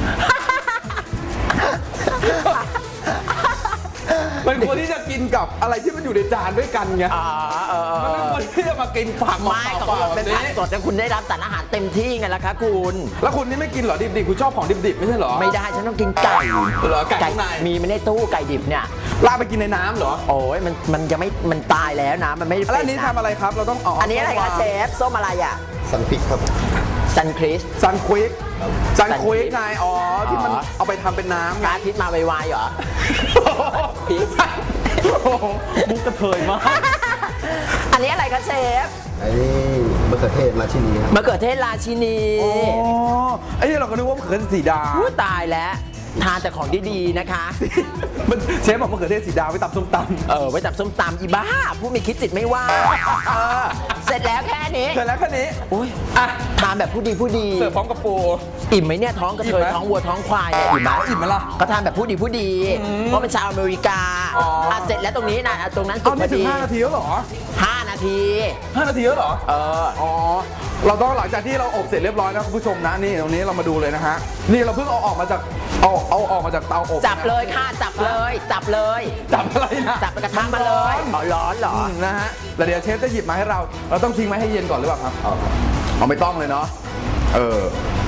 [SPEAKER 2] เป็นคนที่จะกินกับอะไรที่มันอยู่ในจานด้วยกันไง
[SPEAKER 1] อ๋อเออเอ
[SPEAKER 2] มันเป็น
[SPEAKER 1] อ
[SPEAKER 2] คนที่จะมากินผัก
[SPEAKER 1] ไม่
[SPEAKER 2] เป
[SPEAKER 1] ของ
[SPEAKER 2] ล่า
[SPEAKER 1] คุณ
[SPEAKER 2] ๆแบ
[SPEAKER 1] เป็น
[SPEAKER 2] บ
[SPEAKER 1] ผัก
[SPEAKER 2] นี้
[SPEAKER 1] สดแต่คุณได้รับสารอาหารเต็มที่ไงล่ะคะคุณ
[SPEAKER 2] แล้วคุณนี่ไม่กินเหรอดิบๆคุณชอบของดิบๆไม่ใช่เหรอ
[SPEAKER 1] ไม่ได้ฉันต้องกินไก่
[SPEAKER 2] เหรอไก่ข้างใน
[SPEAKER 1] มีไม่ได้ตู้ไก่ดิบเนี่ย
[SPEAKER 2] ลากไปกินในน้ำเหรอ
[SPEAKER 1] โอ้ยมันมันยังไม่มันตายแล้วนะ มันไม่
[SPEAKER 2] แล้วอันนี้
[SPEAKER 1] เป็
[SPEAKER 2] ทำอะไรครับเราต้องเอา
[SPEAKER 1] อันนี้อะไรคะเชฟส้มอะไรอ่ะ
[SPEAKER 3] ซันฟิกครับ
[SPEAKER 1] ซันคริส
[SPEAKER 2] ซันควิกซันควิก
[SPEAKER 1] Sunquick
[SPEAKER 2] ไงอ๋อที่มัน
[SPEAKER 1] อ๋อ
[SPEAKER 2] เอาไปทำเป็นน้ำ
[SPEAKER 1] พ
[SPEAKER 2] ไง
[SPEAKER 1] ระอาทิตย์มาไวๆเหรอ พีช
[SPEAKER 2] โอ้โหมุกกระเทยมาก
[SPEAKER 1] อันนี้อะไรคะเชฟ
[SPEAKER 3] อันนี้มะเขือเทศราชินีครับ
[SPEAKER 1] มะเขือเทศราชินี
[SPEAKER 2] อ๋อไอ้นี่เราก็นึกว่ามะเขือเทศสีดา
[SPEAKER 1] อู้ตายแล้ว ทานแต่ของดีๆนะคะ
[SPEAKER 2] มันเชฟบอกมะเขือเทศสีดาไว้ตำส้มตำ
[SPEAKER 1] เออไว้จับส้มตำอีบ้า ผู้มีคิดจิตไม่ว่าเออเสร็จแล้วแค่นี้
[SPEAKER 2] เสร็จแล้วแค่นี้
[SPEAKER 1] อุ้ย
[SPEAKER 2] อ่ะ
[SPEAKER 1] ทานแบบผู้ดีผู้ดี
[SPEAKER 2] เสิร์ฟพร้อมกับปู
[SPEAKER 1] อิ่มไหมเนี่ยท้องกระเท
[SPEAKER 2] อิ่ม
[SPEAKER 1] ย
[SPEAKER 2] ไหม
[SPEAKER 1] ท้องวัวท้องควายเนี่ยอิ่มไหม
[SPEAKER 2] อิ่มไหมล่ะ
[SPEAKER 1] ก็ทานแบบผู้ดีผู้ดี
[SPEAKER 2] อืม
[SPEAKER 1] เพราะเป็นชาวอเมริกา
[SPEAKER 2] อ๋ออ่
[SPEAKER 1] ะเสร็จแล้วตรงนี้นะอ่ะตรงนั้นสุ
[SPEAKER 2] เอา
[SPEAKER 1] กพ
[SPEAKER 2] ไม่
[SPEAKER 1] อ
[SPEAKER 2] ถึง
[SPEAKER 1] ดี
[SPEAKER 2] ห้านาทีแล้วเหรอ
[SPEAKER 1] ห้านาที
[SPEAKER 2] ห้านาทีแล้วเหรอ
[SPEAKER 1] เออ
[SPEAKER 2] อ๋อ เราต้องหลังจากที่เราอบเสร็จเรียบร้อยนะคุณผู้ชมนะนี่ตรงนี้เรามาดูเลยนะฮะ นี่เราเพิ่งเอาออกมาจากเอาเอาออกมาจากเตาอบ
[SPEAKER 1] จับเลยค่ะจับเลย จับเลย
[SPEAKER 2] จับอะไรนะ
[SPEAKER 1] จับกระทะมาเลยอ๋อร้อนเหรอ
[SPEAKER 2] อืมนะฮะแล้วเดี๋ยวเชฟจะหยิบมาให้เรา เราต้องทิ้งไว้ให้เย็นก่อนหรือเปล่าครับ
[SPEAKER 3] เอาครับ
[SPEAKER 2] เอาไม่ต้องเลยเนาะ เออ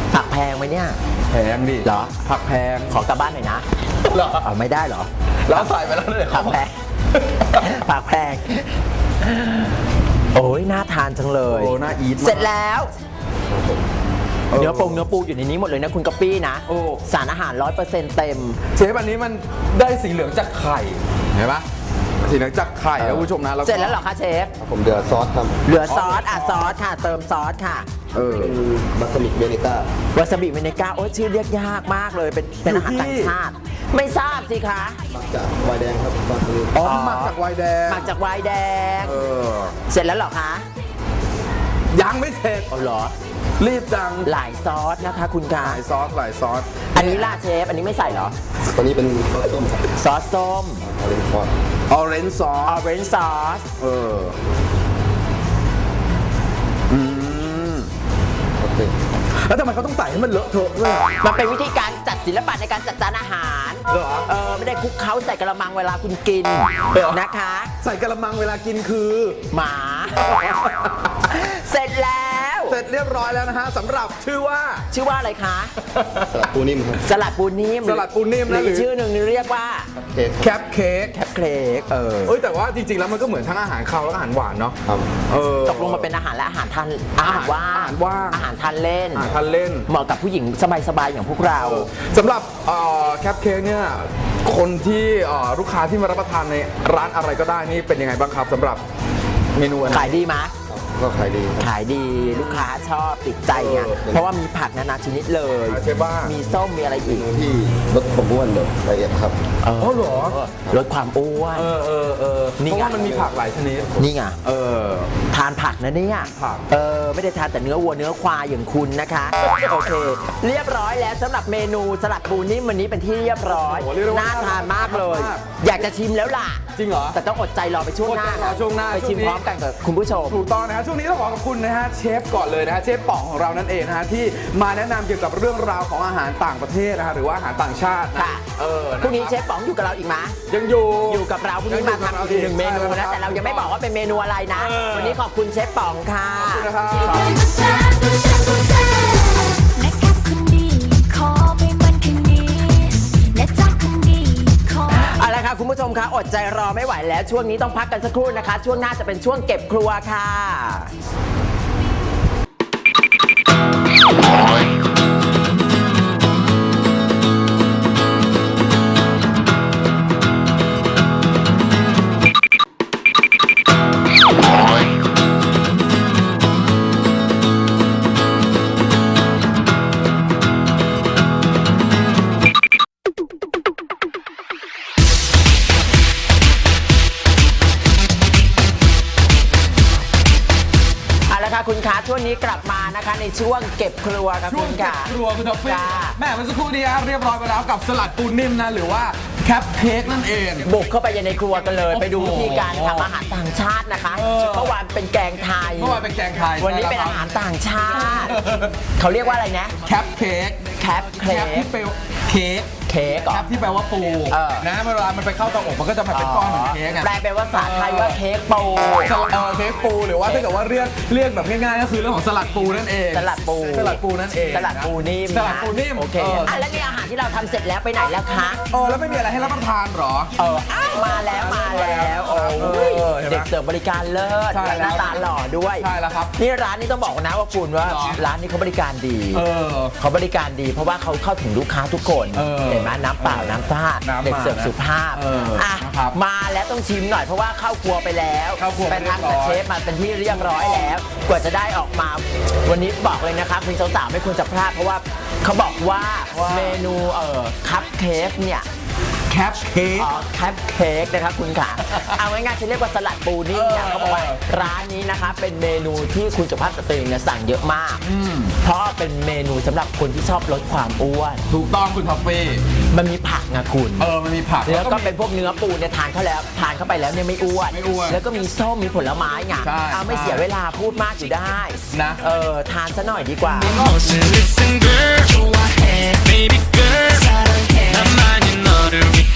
[SPEAKER 1] ผักแพงไหมเนี่ย
[SPEAKER 2] แพงดิ
[SPEAKER 1] เหรอ
[SPEAKER 2] ผักแพง
[SPEAKER 1] ขอกลับบ้านหน่อยนะ
[SPEAKER 2] เหรอ
[SPEAKER 1] เอาไม่ได้เหรอ
[SPEAKER 2] แล้วใส่ไปแล้วเลย
[SPEAKER 1] ผักแพงผักแพงโอ้ยน่าทานจังเลย
[SPEAKER 2] โอ้น่าอีทมาก
[SPEAKER 1] เสร็จแล้วเนื้อปงเนื้อปูอยู่ในนี้หมดเลยนะคุณกะปี้นะ
[SPEAKER 2] โอ้
[SPEAKER 1] สารอาหาร ร้อยเปอร์เซ็นต์ เต็ม
[SPEAKER 2] เชฟอันนี้มันได้สีเหลืองจากไข่เห็นปะสีเหลืองจากไข่นะคุณผู้ชมนะก็
[SPEAKER 1] เสร็จแล้วเหรอคะเชฟ
[SPEAKER 3] ผมเดือดซอสครับ
[SPEAKER 1] เหลือซอสอ่ะซอสค่ะ เติมซอสค่ะ
[SPEAKER 2] เออ
[SPEAKER 3] เป็นบัสมิกเวนิก้าว
[SPEAKER 1] าซาบิเมเนกาโอ้ยชื่อเรียกยากมากเลยเป็นเป็นอาหารต่างชาติ ไม่ทราบสิคะ
[SPEAKER 3] มักจากไวน์แดงครับบาสมิก
[SPEAKER 2] อ๋อหมักจากไวน์แดง
[SPEAKER 1] มาจากไวน์แดง
[SPEAKER 2] เออ
[SPEAKER 1] เสร็จแล้วเหรอคะ
[SPEAKER 2] ยังไม่เสร็จ
[SPEAKER 1] เอาเหรอ
[SPEAKER 2] รีบจัง
[SPEAKER 1] หลายซอสนะคะคุณกา
[SPEAKER 2] หลายซอสหลายซอส
[SPEAKER 1] อันนี้ล่าเชฟ อันนี้ไม่ใส่เหรอ
[SPEAKER 3] ตัวนี้เป็นซอสส้มครับ
[SPEAKER 1] ซอสส้ม
[SPEAKER 3] ออเรนจ์ซอส
[SPEAKER 2] ออเรนจ์ซอ
[SPEAKER 1] ออ
[SPEAKER 2] ส
[SPEAKER 1] เรนจ์ซอส
[SPEAKER 2] เอออืม
[SPEAKER 3] โอเค
[SPEAKER 2] แล้วทำไมเขาต้องใส่ให้มันเลอะเทอะด้วยอะ
[SPEAKER 1] มันเป็นวิธีการจัดศิลปะในการจัดจานอาหาร
[SPEAKER 2] เหรอ
[SPEAKER 1] เออไม่ได้คลุกเคล้าใส่กระมังเวลาคุณกิน
[SPEAKER 2] เหรอ
[SPEAKER 1] นะคะ
[SPEAKER 2] ใส่กระมังเวลากินคือ
[SPEAKER 1] หมา เสร็จแล้ว
[SPEAKER 2] เสร็จเรียบร้อยแล้วนะฮะสำหรับชื่อว่า
[SPEAKER 1] ชื่อว่าอะไรคะ
[SPEAKER 3] สลัดปูนิ่มครับ
[SPEAKER 1] สลัดปูนิ่ม
[SPEAKER 2] สลัดปูนิ่มนะ
[SPEAKER 1] ห
[SPEAKER 2] หรื
[SPEAKER 1] รือ อชื่อหนึ่งเรียกว่า
[SPEAKER 3] เค้ก
[SPEAKER 2] แคปเค้ก
[SPEAKER 1] แคปเค้กเออ
[SPEAKER 2] เอ้ยแต่ว่าจริงๆ แล้วมันก็เหมือนทั้งอาหารคาวและอาหารหวานเนาะ
[SPEAKER 3] ครับ
[SPEAKER 2] เออ
[SPEAKER 1] ตกลงมาเป็นอาหารและอาหารทานอาหารว่าง
[SPEAKER 2] อาหารว่าง
[SPEAKER 1] อาหารทานเล่น
[SPEAKER 2] อาหารทานเล่น
[SPEAKER 1] เหมาะกับผู้หญิงสบายๆอย่างพวกเรา
[SPEAKER 2] สำหรับแคปเค้กเนี่ยคนที่เอ่อลูกค้าที่มารับประทานในร้านอะไรก็ได้นี่เป็นยังไงบ้างครับสำหรับเมนูอันนี้
[SPEAKER 1] ขายดีไหม
[SPEAKER 3] ก็ขายดีครับ
[SPEAKER 1] ขายดีลูกค้าชอบติดใจไง
[SPEAKER 2] เออ
[SPEAKER 1] เพราะว่ามีผักนานาชนิดเลย
[SPEAKER 2] ใช่ป่ะ
[SPEAKER 1] มีส้มมีอะไรอีก
[SPEAKER 3] ที่ลดความอ้วนแบบละเอียดครับ
[SPEAKER 1] เออ
[SPEAKER 2] อ๋อเหรอ
[SPEAKER 1] ลดความอ้วน
[SPEAKER 2] เออเออเออ
[SPEAKER 1] นี่
[SPEAKER 2] เพราะ
[SPEAKER 1] ไง
[SPEAKER 2] ว่ามันมีผักหลายชนิด
[SPEAKER 1] นี่ไง
[SPEAKER 2] เออ
[SPEAKER 1] ทานผักนะเนี่ย
[SPEAKER 2] ผัก
[SPEAKER 1] เออไม่ได้ทานแต่เนื้อวัวเนื้อควายอย่างคุณนะคะ โอเค เรียบร้อยแล้วสำหรับเมนูสลัดปูนิ่มวันนี้เป็นที่เรียบร้อย
[SPEAKER 2] โอ้โหเรียกได้ว่า
[SPEAKER 1] น่าทานมากเลย
[SPEAKER 2] มาก
[SPEAKER 1] อยากจะชิมแล้วล่ะ
[SPEAKER 2] จริงเหรอ
[SPEAKER 1] แต่ต้องอดใจรอไปช่วงหน้า
[SPEAKER 2] อดใจรอช่วงหน้า
[SPEAKER 1] ไปชิม
[SPEAKER 2] ช่วงนี้
[SPEAKER 1] พร้อมกันกับคุณผู้ชม
[SPEAKER 2] ถูกต้องนะฮะช่วงนี้ต้องขอขอบคุณนะฮะเชฟก่อนเลยนะฮะเชฟป๋องของเรานั่นเองนะฮะที่มาแนะนำเกี่ยวกับเรื่องราวของอาหารต่างประเทศนะฮะหรือว่าอาหารต่างชาตินะ
[SPEAKER 1] ค่ะ
[SPEAKER 2] เออ
[SPEAKER 1] พรุ่งนี้เชฟป๋องอยู่กับเราอีกไหม
[SPEAKER 2] ยังอยู่
[SPEAKER 1] อยู่กับเราพรุ่งนี้มาทำอีกหนึ่งเมนูนะแต่เรายังไม่บอกว่าเป็นเมนูอะไรนะ
[SPEAKER 2] เออ
[SPEAKER 1] วันนี้ขอบคุณเชฟป๋องค่ะ
[SPEAKER 2] ขอบคุณนะครับ
[SPEAKER 4] นะครับคนดีขอไปมันคนดีและจักคนดีขอ
[SPEAKER 1] เอาละค่ะคุณผู้ชมคะอดใจรอไม่ไหวแล้วช่วงนี้ต้องพักกันสักครู่นะคะ ช่วงหน้าจะเป็นช่วงเก็บครัวค่ะ เอาละค่ะคุณคะช่วงนี้กลับมานะคะในช่วงเก็บครัวค่ะ
[SPEAKER 2] ช่
[SPEAKER 1] คุ
[SPEAKER 2] วง
[SPEAKER 1] ณ
[SPEAKER 2] เก็บ
[SPEAKER 1] ค่ะ
[SPEAKER 2] ครัวคุณท็อฟฟี่
[SPEAKER 1] จ้า
[SPEAKER 2] แม่เมื่อสักครู่นี้ครับเรียบร้อยไปแล้วกับสลัดปูนิ่มนะหรือว่าแคปเค้กนั่นเอง
[SPEAKER 1] บุกเข้าไปในครัวกันเลย
[SPEAKER 2] โอ้โห
[SPEAKER 1] ไปดูวิธีการทำอาหารต่างชาตินะคะ
[SPEAKER 2] เออ
[SPEAKER 1] เมื่อวานเป็นแกงไทย
[SPEAKER 2] เมื่อวานเป็นแกงไทย
[SPEAKER 1] วันนี้เป็นอาหารต่างชาติ เขาเรียกว่าอะไรนะ
[SPEAKER 2] แคปเค้ก
[SPEAKER 1] แคป
[SPEAKER 2] แค
[SPEAKER 1] เค้
[SPEAKER 2] ปที่
[SPEAKER 1] ก
[SPEAKER 2] แปลว่าเค้ก
[SPEAKER 1] เค้กเหร
[SPEAKER 2] แค
[SPEAKER 1] อ
[SPEAKER 2] ปที่แปลว่าปู
[SPEAKER 1] เออ
[SPEAKER 2] นะเวลามันไปเข้าเตาอบมันก็จะเป็นก้อนเหมือนเค้กอะ
[SPEAKER 1] แปลเป็นภาษาไทยว่าเค้กปู
[SPEAKER 2] สลัดเออเค้กปูหรือว่าถ้าเกิดว่าเรียกเรียกแบบง่ายๆก็คือเรื่องของสลัดปูนั่นเอง
[SPEAKER 1] สลัดปู
[SPEAKER 2] สลัดปูนั่นเอง
[SPEAKER 1] สลัดปูนิ่ม
[SPEAKER 2] สลัดปูนิ่ม
[SPEAKER 1] โอเค
[SPEAKER 2] เออ
[SPEAKER 1] อ่ะแล้วนี่อาหารที่เราทำเสร็จแล้วไปไหนแล้วคะ
[SPEAKER 2] เออแล้วไม่มีอะไรให้รับประทานเหรอ
[SPEAKER 1] เอออ้าวมาแล้วมาแล้วโอ้
[SPEAKER 2] เอย อเห็นไหม
[SPEAKER 1] เด็กเสิร์ฟบริการเลิศ
[SPEAKER 2] ใช่
[SPEAKER 1] และหน้า
[SPEAKER 2] แล้ว
[SPEAKER 1] ตาหล่อด้วย
[SPEAKER 2] ใช่แล้วครับ
[SPEAKER 1] นี่ร้านนี้ต้องบอกนะว่าคุณว่า
[SPEAKER 2] เหรอ
[SPEAKER 1] ร้านนี้เขาบริการดี
[SPEAKER 2] เออ
[SPEAKER 1] เขาบริการดี เพราะว่าเขาเข้าถึงลูกค้าทุกคน
[SPEAKER 2] เออ
[SPEAKER 1] เห็นไหมน้ำเปล่าน้ำท่า
[SPEAKER 2] น้ำมา
[SPEAKER 1] เด็กเสิร์ฟสุภาพ
[SPEAKER 2] เอออ่
[SPEAKER 1] อ่ะ
[SPEAKER 2] นะครับ
[SPEAKER 1] มาแล้วต้องชิมหน่อยเพราะว่าเข้าครัวไปแล้ว
[SPEAKER 2] เข้าครัว
[SPEAKER 1] ไป
[SPEAKER 2] ไปเรีย
[SPEAKER 1] ทำ
[SPEAKER 2] บร้
[SPEAKER 1] กับ
[SPEAKER 2] อย
[SPEAKER 1] เชฟมาเป็นที่เรียบร้อยแล้ว กว่าจะได้ออกมา วันนี้บอกเลยนะคะคุณสาวๆไม่ควรจะพลาดเพราะว่าเขาบอกว่าเมนูเอ่อคัพเค้กเนี่ย
[SPEAKER 2] แคปเค้ก
[SPEAKER 1] อ๋อแคปเค้กนะครับคุณขา เอาง่ายๆจะเรียกว่าสลัดปูนิ่มเนี่ย
[SPEAKER 2] เออ
[SPEAKER 1] เขาบอกว่าร้านนี้นะคะเป็นเมนูที่คุณสุภาพสตรีเนี่ยสั่งเยอะมาก เพราะเป็นเมนูสำหรับคนที่ชอบลดความอ้วน
[SPEAKER 2] ถูกต้องคุณท็อฟฟี่
[SPEAKER 1] มันมีผักนะคุณ
[SPEAKER 2] เออมันมีผัก
[SPEAKER 1] แล้วก็
[SPEAKER 2] มี
[SPEAKER 1] เป็นพวกเนื้อปูเนี่ยทานเข้าแล้วทานเข้าไปแล้วเนี่ยไม่อ้วน
[SPEAKER 2] ไม่อ้วน
[SPEAKER 1] แล้วก็มีส้มมีผลไม้ไง
[SPEAKER 2] ใช่
[SPEAKER 1] เอาไม่เสียเวลาพูดมากอยู่ได้
[SPEAKER 2] นะ
[SPEAKER 1] เออทานซะหน่อยดีกว่า
[SPEAKER 5] Listen girl 좋아해 baby girl 나만이 너를 위한 남자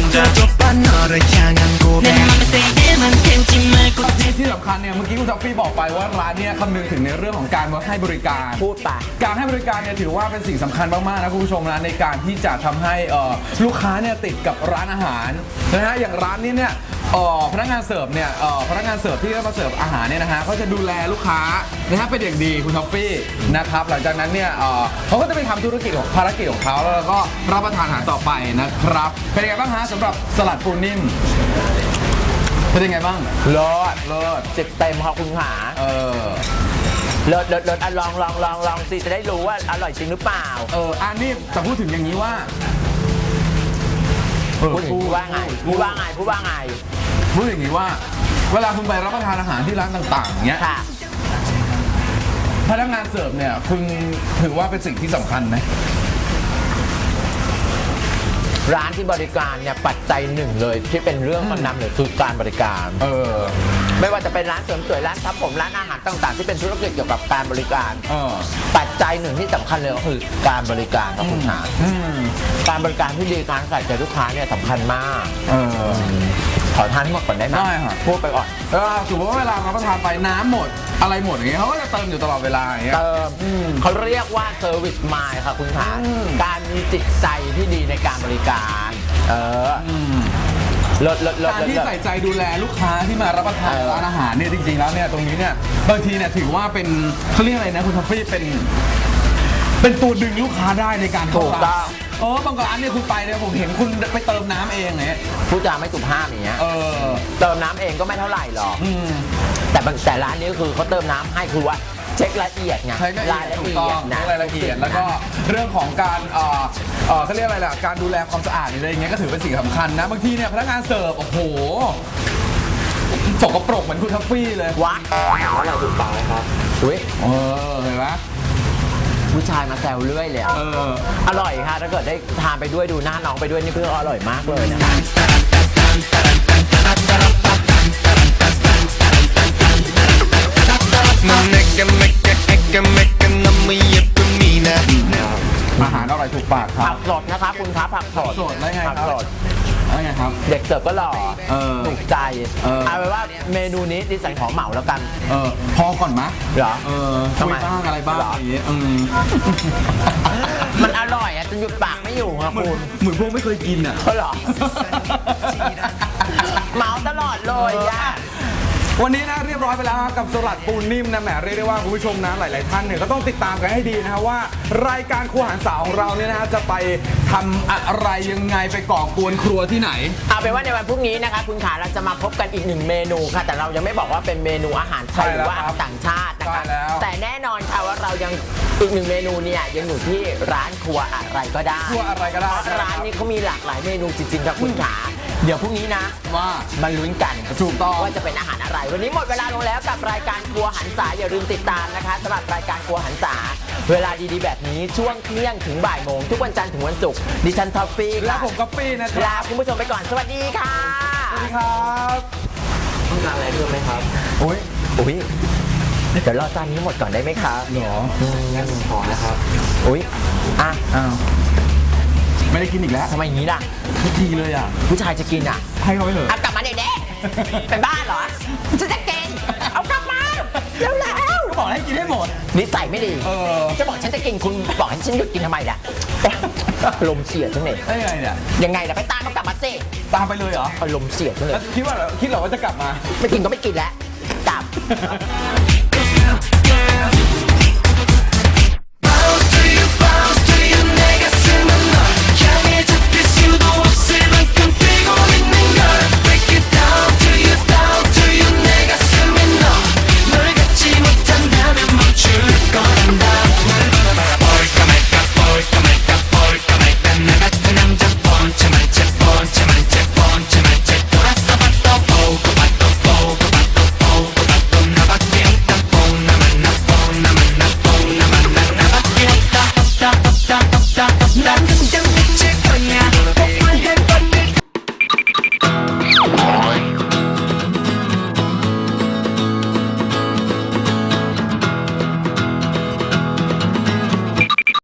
[SPEAKER 2] ที่สำคัญเนี่ยเมื่อกี้คุณท็อฟฟี่บอกไปว่าร้านเนี่ยคำนึงถึงในเรื่องของการให้บริการ
[SPEAKER 1] พูดไป
[SPEAKER 2] การให้บริการเนี่ยถือว่าเป็นสิ่งสำคัญมากๆนะคุณผู้ชมนะในการที่จะทำให้เอ่อลูกค้าเนี่ยติดกับร้านอาหารนะฮะอย่างร้านนี้เนี่ยเอ่อพนักงานเสิร์ฟเนี่ยเอ่อพนักงานเสิร์ฟที่มาเสิร์ฟอาหารเนี่ยนะฮะเขาจะดูแลลูกค้านะฮะเป็นอย่างดีคุณท็อฟฟี่นะครับหลังจากนั้นเนี่ยเอ่อเขาก็จะไปทำธุรกิจของภารกิจของเขาแล้วก็รับประทานอาหารต่อไปนะครับเป็นยังไงบ้างฮะสำหรับสลัดปูนิ่มเป็นยังไงบ้าง
[SPEAKER 1] เลิศ
[SPEAKER 2] เลิศ
[SPEAKER 1] สิบเต็มค่ะคุณขา
[SPEAKER 2] เออ
[SPEAKER 1] เลิศเลิศเลิศอ่ะลองลองลองลองสิจะได้รู้ว่าอร่อยจริงหรือเปล่า
[SPEAKER 2] เอออันนี้แต่พูดถึงอย่างนี้ว่าเออ
[SPEAKER 1] พูดถึงพูดว่าไงพูดว่าไงพูดว่าไง
[SPEAKER 2] พูดอย่างนี้ว่า เวลาคุณไปรับประทานอาหารที่ร้านต่างๆเนี้ย
[SPEAKER 1] ค่ะ
[SPEAKER 2] พนักงานเสิร์ฟเนี่ยคุณถือว่าเป็นสิ่งที่สำคัญไหม
[SPEAKER 1] ร้านที่บริการเนี่ยปัจจัยหนึ่งเลยที่เป็นเรื่องมันนำเลยคือการบริการ
[SPEAKER 2] เออ
[SPEAKER 1] ไม่ว่าจะเป็นร้านเสริมสวยร้านทำผมร้านอาหารต่างๆ ที่เป็นธุรกิจเกี่ยวกับการบริการ
[SPEAKER 2] เออ
[SPEAKER 1] ปัจจัยหนึ่งที่สำคัญเลยก็คือการบริการครับคุณขา
[SPEAKER 2] อืม
[SPEAKER 1] การบริการที่ดีการใส่ใจลูกค้าเนี่ยสำคัญมาก
[SPEAKER 2] เออ
[SPEAKER 1] ขอทานให้หมดก่อนได้ไหม
[SPEAKER 2] ได้ค่ะ
[SPEAKER 1] พูดไปก่อน
[SPEAKER 2] เออสมมติว่าเวลารับประทานไปน้ำหมดอะไรหมดอย่างเงี้ยเขาก็จะเติมอยู่ตลอดเวลาอย่างเงี้ย
[SPEAKER 1] เติมเขาเรียกว่าเซอร์วิสมายค่ะคุณขา
[SPEAKER 2] อืม
[SPEAKER 1] การมีจิตใจที่ดีในการบริการ เออ
[SPEAKER 2] อืม
[SPEAKER 1] ลดลดลด
[SPEAKER 2] การ
[SPEAKER 1] ลด
[SPEAKER 2] ที่
[SPEAKER 1] ลด
[SPEAKER 2] ใส่ใจดูแลลูกค้าที่มารับประทาน
[SPEAKER 1] เออ
[SPEAKER 2] ร้านอาหารเนี่ยจริงๆแล้วเนี่ยตรงนี้เนี่ยบางทีเนี่ยถือว่าเป็นเขาเรียกอะไรนะคุณทัฟฟี่เป็น เป็นตัวดึงลูกค้าได้ในการเข้า
[SPEAKER 1] ถูกต้
[SPEAKER 2] ร้า
[SPEAKER 1] อน ง
[SPEAKER 2] เออบางร้านเนี่ยคุณไปเนี่ยผมเห็นคุณไปเติมน้ำเองเนี่ย
[SPEAKER 1] พูดจาไม่สุภาพอย่างเงี้ย
[SPEAKER 2] เออ
[SPEAKER 1] เติมน้ำเองก็ไม่เท่าไหร่หรอก
[SPEAKER 2] อืม
[SPEAKER 1] แต่บางแต่ร้านนี้คือเขาเติมน้ำให้คือว่าเช็ครายละเอียดไง
[SPEAKER 2] ใช้รายละเอียดถูกต้อง
[SPEAKER 1] นะ
[SPEAKER 2] ใช้รายละเอียดแล้วก็เรื่องของการเอ่อเอ่อเขาเรียกอะไรล่ะการดูแลความสะอาดอะไรอย่างเงี้ยก็ถือเป็นสิ่งสำคัญนะบางทีเนี่ยพนักงานเสิร์ฟโอ้โหสกปรกเหมือนคุณทัฟฟี่เลย
[SPEAKER 1] วัดอะไรถูกปากครับอุ้ย
[SPEAKER 2] เออเห็นไหม
[SPEAKER 1] ผู้ชายมาแซวเรื่อยเลยอะ
[SPEAKER 2] เออ
[SPEAKER 1] อร่อยค่ะถ้าเกิดได้ทานไปด้วยดูหน้าน้องไปด้วยนี่เพื่ออร่อยมากเลยนะคะ
[SPEAKER 2] อาหารอร่อยถูกปากครั
[SPEAKER 1] ผั
[SPEAKER 2] บ
[SPEAKER 1] กสดนะคะคุณครับผักสด
[SPEAKER 2] สดได้ไงครับ
[SPEAKER 1] ผักสด
[SPEAKER 2] แล้วไงครับ
[SPEAKER 1] เด็กเสิร์ฟก็หล่อ
[SPEAKER 2] เออ
[SPEAKER 1] ถูกใจ
[SPEAKER 2] เออ
[SPEAKER 1] เอาเป็นว่าเมนูนี้ดิฉันของเหมาแล้วกัน
[SPEAKER 2] เออพอก่อนมะ
[SPEAKER 1] เหรอ
[SPEAKER 2] เออ
[SPEAKER 1] ทำ
[SPEAKER 2] คุ
[SPEAKER 1] ไม
[SPEAKER 2] ยบ้างอะไรบ้าง
[SPEAKER 1] เหรอ
[SPEAKER 2] อ
[SPEAKER 1] อ
[SPEAKER 2] ย่างเงี้ยอืม
[SPEAKER 1] มันอร่อยอ่ะจนหยุดปากไม่อยู่ครับ
[SPEAKER 2] เหมือน
[SPEAKER 1] คุณ
[SPEAKER 2] เหมือนพวกไม่เคยกินอ่ะ
[SPEAKER 1] ก็เหรอ เมาตลอดเลยอ่ะ
[SPEAKER 2] วันนี้นะเรียบร้อยไปแล้วกับสลัดปูนิ่มนะแหมเรียกได้ว่าคุณผู้ชมนะหลาย ๆ ท่านเนี่ยก็ต้องติดตามกันให้ดีนะฮะว่ารายการครัวหันษาของเราเนี่ยนะฮะจะไปทำอะไรยังไงไปก่อกวนครัวที่ไหน
[SPEAKER 1] เอาเป็นว่าในวันพรุ่งนี้นะคะคุณขาเราจะมาพบกันอีกหนึ่งเมนูค่ะ แต่เรายังไม่บอกว่าเป็นเมนูอาหารไทย
[SPEAKER 2] ใช่
[SPEAKER 1] ห
[SPEAKER 2] แล้
[SPEAKER 1] รื
[SPEAKER 2] ว
[SPEAKER 1] อว่าอาหารต่างชาตินะ
[SPEAKER 2] ใช่
[SPEAKER 1] คะ
[SPEAKER 2] แล้ว
[SPEAKER 1] แต่แน่นอนค่ะว่าเรายังอีกหนึ่งเมนูเนี่ยยังอยู่ที่ร้านครัวอะไรก็ได้
[SPEAKER 2] ครัวอะไรก็ได้
[SPEAKER 1] เพราะร้านนี้เขามีหลากหลายเมนูจริงๆครับคุณขาเดี๋ยวพรุ่งนี้นะ
[SPEAKER 2] ว่า
[SPEAKER 1] มาลุ้นกัน
[SPEAKER 2] ถูกต้อง
[SPEAKER 1] ว่าจะเป็นอาหารอะไร วันนี้หมดเวลาลงแล้วกับรายการครัวหันษาอย่าลืมติดตามนะคะสำหรับรายการครัวหันษาเวลาดีๆแบบนี้ช่วงเที่ยงถึงบ่ายโมงทุกวันจันทร์ถึงวันศุกร์ดิฉันท็อฟฟี่
[SPEAKER 2] แล้
[SPEAKER 1] ค่ะ
[SPEAKER 2] วผมก๊อปปี้นะค
[SPEAKER 1] ลา
[SPEAKER 2] รับ
[SPEAKER 1] คุณผู้ชมไปก่อนสวัสดีค่ะ
[SPEAKER 2] สวัสดีครับ
[SPEAKER 1] ต้องการอะไรเพิ่มไหมครับ
[SPEAKER 2] อุ้ย
[SPEAKER 1] อุ้ยเดี๋ยวรอจานนี้หมดก่อนได้ไหมคะ
[SPEAKER 2] หรอ
[SPEAKER 1] งั้นขอนะครับอุ้ยอ่ะ
[SPEAKER 2] อ้าวไม่ได้กินอีกแล้ว
[SPEAKER 1] ทำไมอย่างนี้ล่ะ
[SPEAKER 2] ทุกทีเลยอ่ะ
[SPEAKER 1] ผู้ชายจะกินอ่ะ
[SPEAKER 2] ให้เขาไปเถอะ
[SPEAKER 1] อ่ะกลับมาเด็กๆเป็นบ้าเหรอฉันจะกินเอากลับมาเร็วแล้ว
[SPEAKER 2] ก็บอกให้กินให้หมด
[SPEAKER 1] นิสัยไม่ดี
[SPEAKER 2] เออ
[SPEAKER 1] จะบอกฉันจะกินคุณบอกให้ฉันหยุดกินทำไมล่ะลมณ์เสียจังเลย
[SPEAKER 2] ได้ยังไงเนี่ย
[SPEAKER 1] ยังไงล่ะไปตามเขากลับมาสิ
[SPEAKER 2] ตามไปเลยเหรอ
[SPEAKER 1] อารมณ์เสียจังเล
[SPEAKER 2] แล้ว
[SPEAKER 1] ย
[SPEAKER 2] คิดว่าคิดเหรอว่าจะกลับมา
[SPEAKER 1] ไม่กินก็ไม่กินแล้วกลับ